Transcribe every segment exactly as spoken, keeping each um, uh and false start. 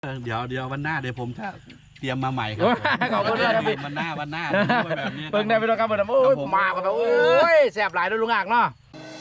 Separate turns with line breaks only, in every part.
เดี๋ยวเดี๋ยววันหน้าเดี๋ยวผมจะเตรียมมาใหม่ครับ
ขอบคุณด้วยครับ
วันหน้าวันหน้าแบบนี้
เพิ่งได้ไปดูครับผมโอ้ยมากันแบบโอ้ยแซ่บหลายด้วยลุงอ่างเนาะ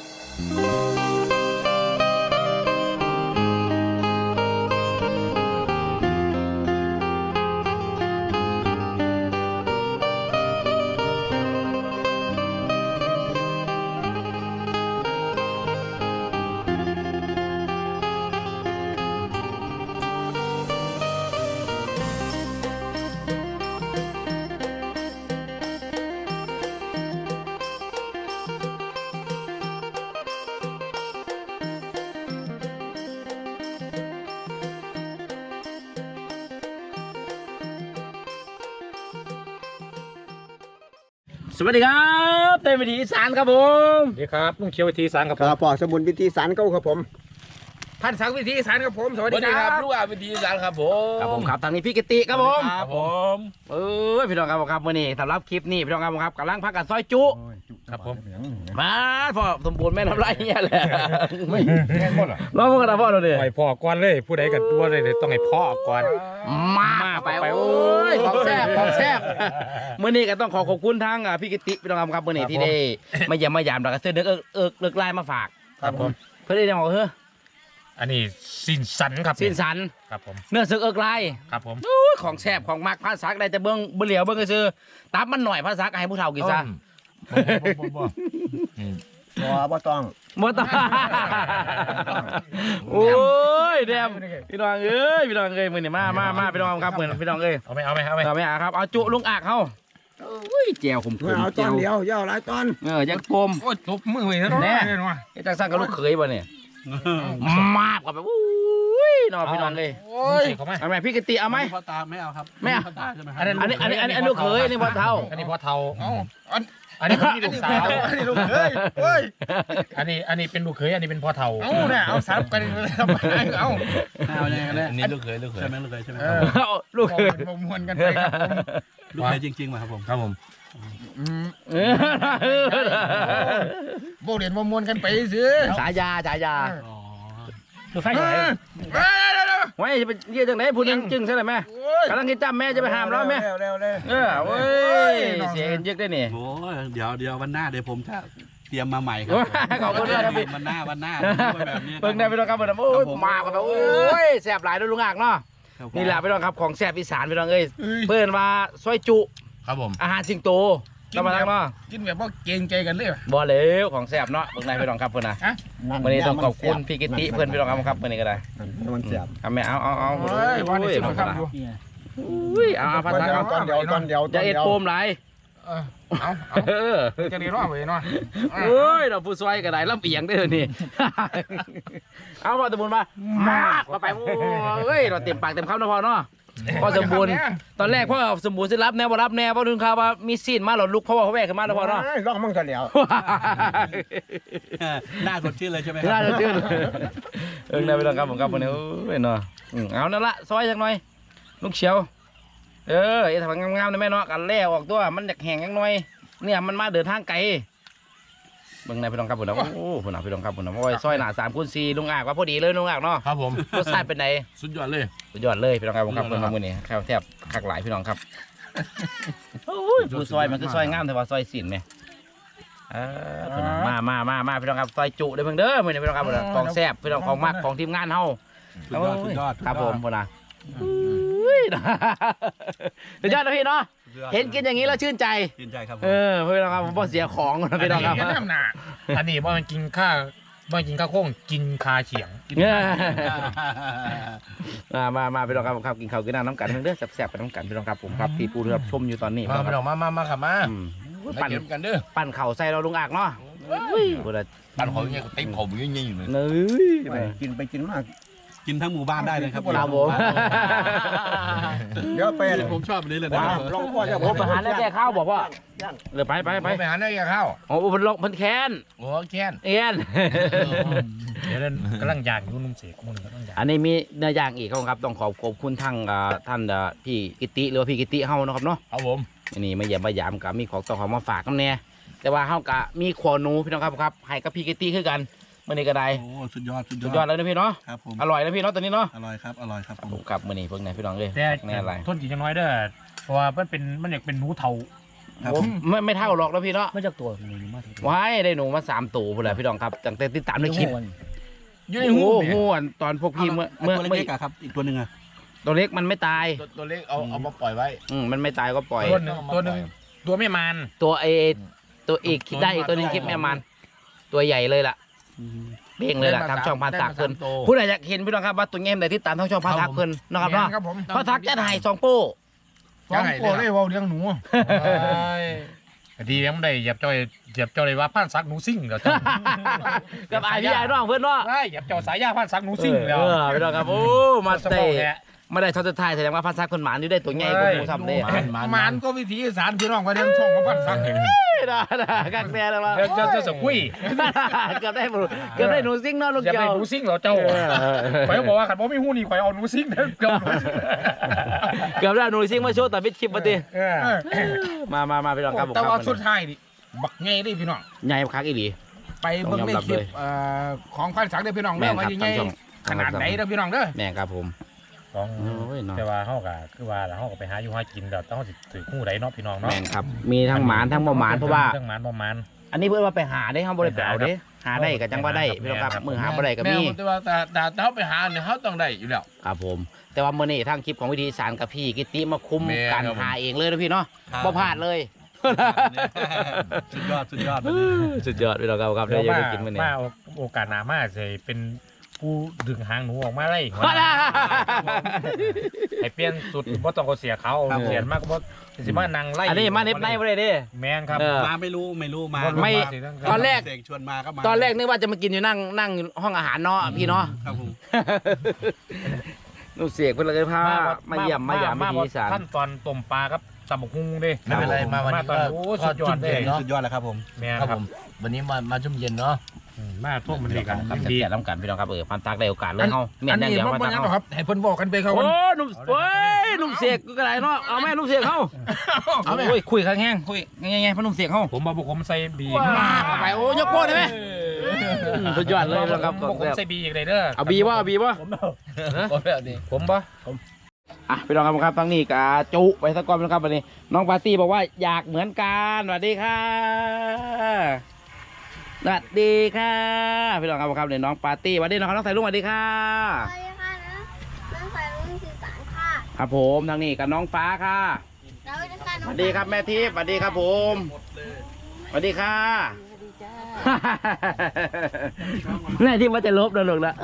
สวัสดีครับเต้นวิถีอีสานครับผม
สวัสดีครับลุงเขียววิถีอีสานครับผม
ครับปอสมุนวิธีสารเก้าครับผม
พันศักดิ์วิถีอีสานครับผมสวัสดีครับลูกอาวิถีอีสานครับผม
ครับผมครับทางนี้พี่กิติครับผม
ครับผม
เออพี่น้องครับครับวันนี้สำหรับคลิปนี้พี่น้องครับครับกำลังพักกันซอยจุ
ครับผม
มาพอสมบูรณ์แม่ทำไรเนี่ยแหละ
ไม่แม่หมดหรอ
รอพวกกันนะพ่อเราเนี่ย
ปล่อยพ่อก่อนเลยผู้ใดกันตัวเลยต้องให้พ่อก่อน
มาไปโอ้ยของแซ่บของแซ่บเมื่อนี้ก็ต้องขอขอบคุณทางพี่กิติพี่น้องครับครับเมื่อนี้ที่ได้มาเยี่ยมมายามแล้วก็เสื้อเนื้อเอิกเอิกเลิกไล่มาฝาก
ครับผม
เพื่อได้ยังบอกเฮ้อ
อันนี้สินสันครับ
สินสัน
ครับผม
เนื้อสึกเอิกไล่
ครับผม
ของแซ่บของมักภาษาได้แต่เบิ้งเบลียวเบิ้งก็คือตับมันหน่อยภาษาให้ผู้เฒ่ากินซะ
บ่บ่ต้อง
บ่ต้องโอ้ยแดมพี่น้องเอ้ยพี่น้องเอ้ยมื้อนี้มามามาพี่น้องครับมื้อพี่น้องเอ้ย
เอาไหมเอาไหมเอาไหม
เอาไหมครับเอาจุลุงอักเฮาโอ้ยแจ่วขมๆ
เอาตอนเดียวย่อหลายตอน
เออยังกลม
โอ้ยตบมือเลยนะ
แน่ไอ้จังซั่นก็ลูกเขยบ่เนี่ยมากกว่าแบบอุ้ยน้องพี่น้องเอ้ย
โอ้ย
เอาไหมพี่กติเอาไหม
พ่อตาไม่เอาครับ
ไม่เอาอันนี้อันนี้อันนี้อันนี้ลูกเขยนี่พ่อเฒ่า
อันนี้พ่อเฒ่าอันนี้เป็นลูกสาวอันนี้ลูกเขยเฮ้ยอันนี้อันนี้เป็นลูกเขยอันนี้เป็นพ่อเฒ่าเอาเนี่ยเอาซับกันทำไมเอา
เอาเนี่ยอันนี้ลูกเขยลูกเขยใช่ไหมลูกเขยใช่ไหม
ลูกเขย
มวนกันไปครับผม
ลูกเขยจริงๆมาครับผม
ครับผมโบเรียนมวนกันไปซื้อ
ฉายาฉายา
ดูไฟไหน
ไว้จะเป็นเยี่ยจังไหนพูดยังจึงใช่ไหมแม่กำลังกินจ้ำแม่จะไปห้ามแล้วแม่
เร็วเร็วเร็ว
เออเว้ยเสียเยอะได้เนี่ย
โอ้เดี๋ยวเดี๋ยววันหน้าเดี๋ยวผมจะเตรียมมาใหม่ครับ
ขอบคุณด้วยครับ
วันหน้าวันหน้าแบบนี้
เพิ่งได้ไปดูครับผมโอ้ยมากันแบบโอ้ยแซ่บหลายด้วยลุงอ่างเนาะนี่แหละไปดูครับของแซ่บอีสานไปดูเอ้ยเพื่อนมาซอยจุ
ครับผม
อาหารสิงโตเรามาทำเนาะ
กินแบบว่าเกรงใจกันเลย
บ่เหลวของแซ่บเนาะเพิ่งได้ไปดูครับเพื่อนนะวันนี้ต้องขอบคุณพี่กิติเพื่อนไปดูครับวันนี้ก็ได้
มันเสียบ
เอาแม่เอาเอาเอา
เฮ้ยวันนี้สุดครับ
อุ้ยเอาเอาพัดเอา
ตอนเดียวตอนเดียว
จะเอ็ดโปมไหล
เอาเอาจะดีรอดเลยเนาะ
โอ้ยเราผู้ซอยก็ได้ลำเอียงได้เลยนี่เอาพอสมบูรณ์มามากมาไปโอ้ยเราเต็มปากเต็มคำนะพอเนาะพอสมบูรณ์ตอนแรกพ่อสมบูรณ์จะรับแนวบ่รับแนวเพราะถึงข่าวว่ามีซีนมาหลอดลุกเพราะว่าเขาแวกขึ้นมาแล้วพอเนาะ
ร้องมั่งกันแล้ว
หน้าสดชื่นเลยใช่ไหม
หน้าสดชื่นเออได้ไปลองครับผมครับวันนี้โอ้ยเนาะเอานั่นละซอยจังหน่อยลูกเฉียวเออไอ้ทางงามๆนะแม่เนาะกันแล้วออกตัวมันอยากแห้งยังหน่อยเนี่ยมันมาเดินทางไกลเบิ่งในพี่น้องครับผมนะโอ้พี่น้องพี่น้องครับผมนะโอ้ยซอยหนาสามคูณสี่ลุงอ่างว่าพอดีเลยลุงอ่างเนาะ
ครับผม
รสชาติเป็นไง
สุดยอดเลย
สุดยอดเลยพี่น้องครับผมครับเพิ่นมามื้อนี้แค่แทบคักหลายพี่น้องครับโอ้ยผู้ซอยมันคือซอยงามแต่ว่าซอยสินไหมเออมามามามาพี่น้องครับซอยจุเด้อเพิ่งเด้อมื้อนี้พี่น้องครับของแซ่บพี่น้องของมักของทีมงานเฮา
สุดยอดสุดยอด
ครับผมพุ่นน่ะสุดยอดนะพี่เนาะเห็นกินอย่างนี้แล้วชื่นใจ
ชื่นใจครับ
เออพี่น้องครับผมบ่เสียของนะพี่น้องครับ
อันนี้บ่มันกินข้าวบ่กินข้าวโค้งกินคาเฉียง
มามามาพี่น้องครับครับกินข้าวกินน้ำกันเด้อแซ่บๆกันน้ำกันพี่น้องครับผมครับที่ปูเรือชมอยู่ตอนนี้
มาพี่น้องมามามาครับมา
ปั่น
กันเด้อ
ปั่นเข่าใส่เราลุงอักเนาะ
ปั่นเขาอย่างเงี้ยติ๊กผมอย่างเงี้ยอยู่เลย
เนื้อ
กินไปกินมาก
กินทั้งหมู่บ้านได้เลยครับ
ครับผม
เดี๋ยวไป
ผมชอบนี้เลยนะ
ลองพ่อจะ
ผมไปหาได้แก่ข้าวบอกว่าเลยไปไปไป
ไปหาได้แก่ข้าว
โอ้โหมันลงมันแค้น
โอ้แค้น
เอ็น
เดี๋ยวนั้นกำลังย่างอยู่นุ่มเสกมุ่งกำลังย่าง
อันนี้มีเนื้อย่างอีกครับต้องขอบขอบคุณทั้งท่านพี่กิติหรือว่าพี่กิติเฮานะครับเนาะ
ครับผม
นี่มาเยี่ยมมายามกับมีของต้องของมาฝากกันแน่แต่ว่าเฮากับมีขวนูพี่น้องครับครับให้กับพี่กิติคือกันมื้อนี้ก็ได้
โอ้สุดยอดสุดย
สุ
อ
ด
ด
ยอดเลยนะพี่เนาะ
ครับผม
อร่อยนะพี่เนาะตัวนี้เนาะ
อร่อยครับอร่อยครับผม
ผมกลับมื้อนี้เพิ่งไหนพี่น้องเอ้ย
แต่
แน่อะไร
ทนกินยังน้อยเด้อเพราะว่ามันเป็นมันอยากเป็นหนูเทา
ครับ
ผ
ผม ม
ไม่ไม่เท่าหรอกนะพี่เนาะ
ไม่จากตัวหนูมาก
ว้ายได้หนูมาสามตัวพุ่นแหละพี่น้องครับตั้งแต่ติดตามในคลิป
อยู่ใน
โอ้
หู
โหอันตอนพวกพี่เมื่อ
เมื่
เมื่
อ
อ
ตัว
เมื่อ
เล็กๆอะครับอีกตัวหนึ่งอะ
ตัวเล็กมันไม่ตาย
ตัวตัวเล็กเอาเอามาปล่อยไว้
อืมมันไม่ตายก็ปล่อย
ตัวหนึ่งตัวหนึ่งตัวไม่มัน
ตัวเอตัวอีกได้อีกตัวหนึงคลิปแม่มันตัวใหญ่เลยล่ะเบ่งเลยล่ะทำช่องพันสักเพิ่นผู้ใดอยากเห็นพี่น้องครับว่าตัวเงี้ยไหนที่ตามทั้งช่องพันสักเพิ่นนะครับเนาะ
ครับผม
พระทักจะถ่ายสองโป้
ฟองโปเลยว่าเลี้ยงหนูดียังไม่ได้เหยียบจอยเหยียบจอยเลยว่าพันซักหนูซิ่งเดี๋ยวจ้า
กับไอพี่ไอ้น้องเพื่อนเนาะ
ได้เหยียบจอยสายยาพันซักหนูซิ่ง
เอ
แล้ว
อพี่น้องครับโอ้มาเตะ
แหละ
ไม่ได้ช็อตสุดท้ายแสดงว่าพันซักคนหมานอยู่ได้ตัวใหญ่กว่าหมูซ้ำเลย
มันก็วิธีอีสารพี่น้องก็เลี้ยงช่องของพันซักเห็น
ด่าด่ากักแน่เลยว่า
เจ้าเจ้าสกุย
เกือบได้หมูเกือบได้หนูซิ่งเนาะลูก
อย่า
เกี่
ไป
ยว
หนูซิ่งเหรอเจ้าข่อยบอกว่าขันบ่มีหูนี่ข่อยเอาหนูซิ่งเด้อเกือบ
เกือบได้หนูซิ่งมาโชว์แต่พิดคลิปมาดิมามามาพี่น้องครับผม
แต่
ค
ว่า
รับ
สุดท้ายดิบักไงดิพี่น้อง
ใหญ่คักอีหลี
ไปเบิ่งในคลิปของพันซักเด้อพี่น้อง
แม่
เด้อน ว่า
ครับ
ยังไง
ทางช่อง
ขนาดไหนเด้อพี่น้องเด้อ
แม่ครับผม
ของ
โอ้ยเนาะ
แต่ว่าเฮาก็คือว่าเฮาก็ไปหาอยู่หากินเดี๋ยวต้องสิถือคู่ใดเนาะพี่น้องเนาะ
แม่นครับมีทั้งหมานทั้งบ่หมานเพราะว่า
ทั้งหมานบ่หมาน
อันนี้เพื่อว่าไปหาได้ห้องบริษัทเอาเด้หาได้ก็จังว่าได้พี่น้องครับมือหาบ่ได้ก็มี
แแต่ว่าแต่แต่แต่เขาไปหาเนี่ยเขาต้องได้อยู่แล้ว
ครับผม แต่ว่าเมื่อนี้ทางคลิปของวิธีสารกับพี่กิติมาคุม
แม่
การ
ครับผม
หาเองเลยนะพี่เนาะ
ครับ
บ่พลาดเลย
สุดยอดสุดยอด
สุดยอดพี่น้องครับครับได้
เดี๋ยว
ยัง
มา
ได้กินมื้อนี้
มาโอกาสหน้ามาสิเป็นผู้ดึงหางหนูออกมาได้
ว่าล่ะ
ให้เปลี่ยนสุดบ่ต้องก็เสียเขาเสียมากบ่สิมานั่งไล่
อันนี้มาเน็บในบ่ได้เด้
แม่นครับ
เออ
มาไม่รู้ไม่รู้มา
ไม่ ตอนแรก
เสกชวนมาก็มา
ตอนแรกนึกว่าจะมากินอยู่นั่งนั่งห้องอาหารเนาะพี่เนาะ
ครับผม
นุ่เสียกเพิ่นเลยพามาเยี่ยมมาหยามวิธีสาร
ขั้นตอนต้มปลาครับตำบักหุ่งเด้
ไม่เป็นไรมาวันนี้
ตอน
ก็
โอ้
ท
สุ
อ
ด
ด
ยอ
จุ่
ด
ม
เล
เย็
ย
นเนาะ
สุดยอดแล้วครับผม
แม่น
ครับ
ครั
ผ
บ
มวันนี้มามาจุ่มเย็นเนาะ
อืมมาทุ่มมันดีกัน
ครับ
ดี
แซ่บๆน้ำกันพี่น้องครับเออพันตักได้โอกาสเลยเฮาเมีย
อั
น
น
อย่าง
นี้
เดียว
บ่
พัน
บ่
ตัก
ยังหรอก
เฮา
ครับให้เพิ่นบอกกันไปครับ
โอ้หนุ่มโอ้ยหนุ่มเสียกก็ได้เนาะเอาแม่หนุ่มเสียกเฮา
เอาแม่
โอ้ยคุยข้างแห้งคุยไงไงพ่อหนุ่มเสียกเฮา
ผมมาบุกผมใส่บี
ไปโอ้ยกโป้ได้ไหมสุดยอดเลยนะครับ
บุกผมใส่บีอีกเลยเด้อ
เอาบีว่าเอาบีว่า
ผมแบบนี้
ผมบ่
อ่ะพี่น้องครับครับทั้งนี้กาจุไปสักก้อนนะครับวันนี้น้องปาร์ตี้บอกว่าอยากเหมือนกันสวัสดีค่ะสวัสดีค่ะพี่น้องครับครับเนี่ยน้องปาร์ตี้สวัสดีน้องครับน้องสายลุงสวัสดีค่ะ
สวัสดีค่ะนะน้องสายรุ่งสื่อสารค่ะ
ครับผมทางนี้กับน้องฟ้าค่ะ
แล้วจะการ
สวัสดีครับแม่ทิพย์สวัสดีครับผมสวัสดีค่ะแม่ทิพย์ว่าจะลบนะลูกนะ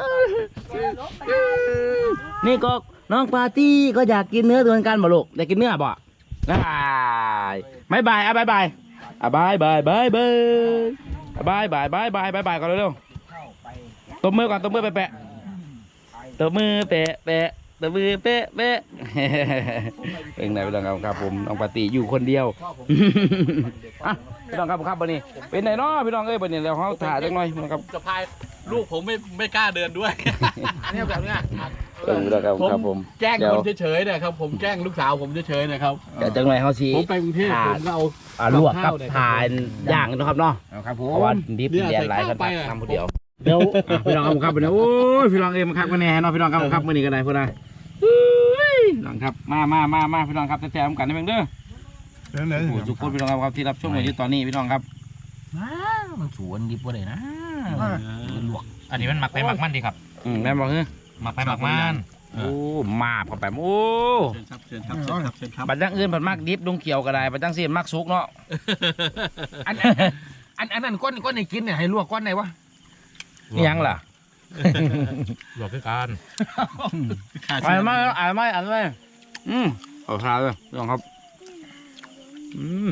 นี่ก็น้องปาร์ตี้ก็อยากกินเนื้อเหมือนกันบ่ลูกอยากกินเนื้อบ่บายบายอ่ะบายบายอ่ะบายบายบายบายบายบายบายบายบายบายก่อนเร็วๆตบมือก่อนตบมือแปะๆตบมือแปะแปะตบมือแปะแปะเป็นไงพี่น้องครับครับผมน้องปาร์ตี้อยู่คนเดียวอ่ะพี่น้องครับครับวันนี้เป็นไงเนาะพี่น้องเอ้ยวันนี้เราเขาถ่ายจังหน่อยนะครับ
สะพายลูกผมไม่ไม่กล้าเดินด้วย
เนี่ยแบบเนี้ย
เออแล้วครับครับผม
แกล้ง
เดี๋ยว
คนเฉยๆนะครับผมแกล้งลูกสาวผมเฉยๆนะครับ
เดี๋ยวจังหน่อยเขาชี้
ผมไปกรุงเทพผมก็เอา
อ่าลวกกับทานย่างนะครับเนาะ
ครับผ
เพราะว่าม ดิบ
เนี่ย
แดนหลาย
ใส่
กัน
ข้าวไปอะ
ทำคนเดียวเดี๋ยวอ่ะพี่น้องครับครับวันนี้โอ้ยพี่น้องเอ้ยมาคักมาแน่เนาะพี่น้องครับครับมื่อนี้ก็ได้เพื่อนนะเฮ้ยพี่น้องครับมามามามาพี่น้องครับแซ่บๆกันได้เพียงเด้อ
ไหน
โอ้โหทุกคนพี่น้องครับที่รับชมอยู่ตอนนี้พี่น้องครับ
มันสวนดิบว่าเลยนะ
ลวกอันนี้มันหมักไปหมักมันดีครับ
อืมแม่บอกเฮ้ย
หมักไปหมักมัน
โอ้มาบเข้าไปโอ้
เชิญครับเชิญครับเชิญครับเชิญครับ
บัดจังอื่นผัดมากดิบดงเขียวก็ได้บัดจังเสียนมากสุกเนาะ
อันอันอันนั้นก้อนก้อนในกินเนี่ยให้ลวกก้อนไหนวะ
นี่ยังล่ะ
ลวกคือการ
ขาด
อ่า
เชิ
น
ญ
ไม่อ่านไม่อ่านไม่อืมเอาทานเลยพี่น้องครับอืม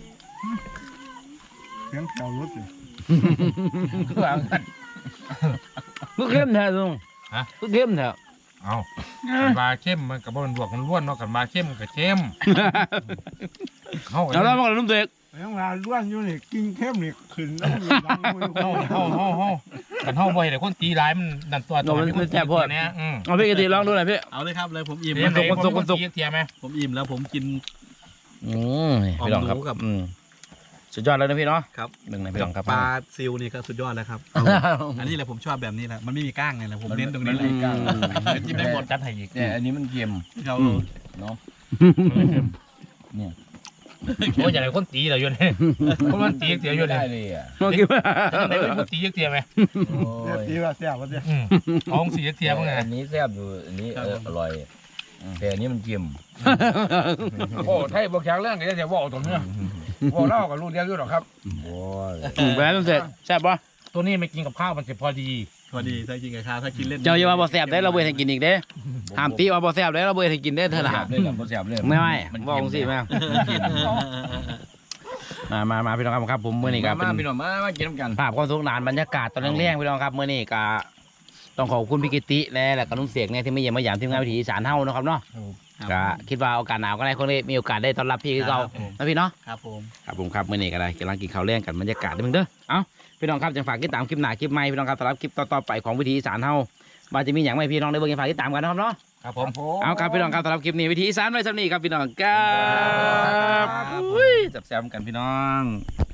เสียงแถวรถเลย
คือว่ากัน
ก็เข้มแท้ลุง
ฮะ
ก็เข้มแท้
เอากันบาเข้มมันกับมันลวกมันล้วนเนาะกันบาเข้มกับเข้มเข้ากัน
แล้วเราบอกนุ่มเด็ก
ยังลาล้วนอยู่นี่กินเข้มนี่ขึ้นแล้วมีรังมือ
เฮาเฮาเฮาเฮากันเฮาบ่อยแต่คนตีร้ายมันดันตัวตัวเนี่ยอืม
เอาพี่กะทิลองดูหน่อยพี่
เอาเลยครับเลยผมอิ่ม
เดี๋ยว
แล้ว
ไหนผมคนสุกเทียไหม
ผมอิ่มแล้วผมกิน
อืมพี่น้องครับ
หอมหนูกับ
อืมสุดยอดเลยนะพี่เนาะ
ครับ
หนึ่งในพี่น้องครับ
ปลาซิลนี่ก็สุดยอดแล้วครับ อันนี้แหละผมชอบแบบนี้แหละมันไม่มีก้างเลยแหละผมเน้นตรงนี้เลย
จิ้มได้หมดจัดให้อีก
เนี่ยอันนี้มันเค็ม
เขา
เนาะเนี่ย
โอ้ยอย่างไรคนตีเหรอโยนคนมันตีเตียโยน
ได้
เลย
เลยอ่ะ
เมื่อกี้ว่า
ไหนเป็นคนตีเตียไหม
โอ้
เนี่ย
ย
ตีว่าเสียว่าเสีย
ท้องสีเตียมั้งไง
อันนี้แซ่บอยู่อันนี้เอออร่อยแต่อันนี้มันเค็ม
โอ้ไทยบอกแข็งเรื่องไหนจะบอกตรงนี้บอกเล่ากับลูกเลี้ยงอยู่หรอครับ
โอ้ย
แหวนมันเสร็จแซ่บปะ
ตัวนี้ไม่กินกับข้าวมันจะพอดี
พอดีถ้ากินกับข้าวถ้ากินเล่น
เจ้าอย่ามาบ่แซ่บได้เราเบื่อให้กินอีกเด้ห้ามตีว่าบ่แซ่บได้เราเบื่อให้กินได้เถอะนะ
แซ่บเลยล่ะบ่แซ่บเลย
ไม่ไม่
มัน
บอกสิแม่มามามาพี่น้องครับผมเมื่อนี้ก็เป็
มาน พี่น้องมามากินน้ำกัน
ภาพความสนุกสนานบรรยากาศตอนเร่งๆพี่น้องครับเมื่อนี้ก็ต้องขอบคุณพี่กิติและแล้วก็ลุงเสกเนี่ยที่มาเยี่ยมมาหยามทีมงานวิถีอีสานเฮานะครับเนาะก็คิดว่าโอกาสหนาวก็ได้คนนี้มีโอกาสได้ต้อนรับพี่คือเก่านะพี่เนาะ
ครับผม
ครับผมครับเมื่อนี้ก็ได้กำลังกินข้าวแรงกันบรรยากาศด้วยมึงเด้อเอ้าพี่น้องครับจังฝากติดตามคลิปหน้าคลิปใหม่พี่น้องครับสำหรับคลิปต่อๆไปของวิถีอีสานเฮาว่าจะมีอย่างไรพี่น้องได้เบิ่งฝากติดตามกันนะครับเนาะ
ครับผม
เอาครับพี่น้องครับสำหรับคลิปนี้วิถีอีสานไว้สำนี้ครับพี่น้องครับอุ้ยจับแซมกันพี่น้อง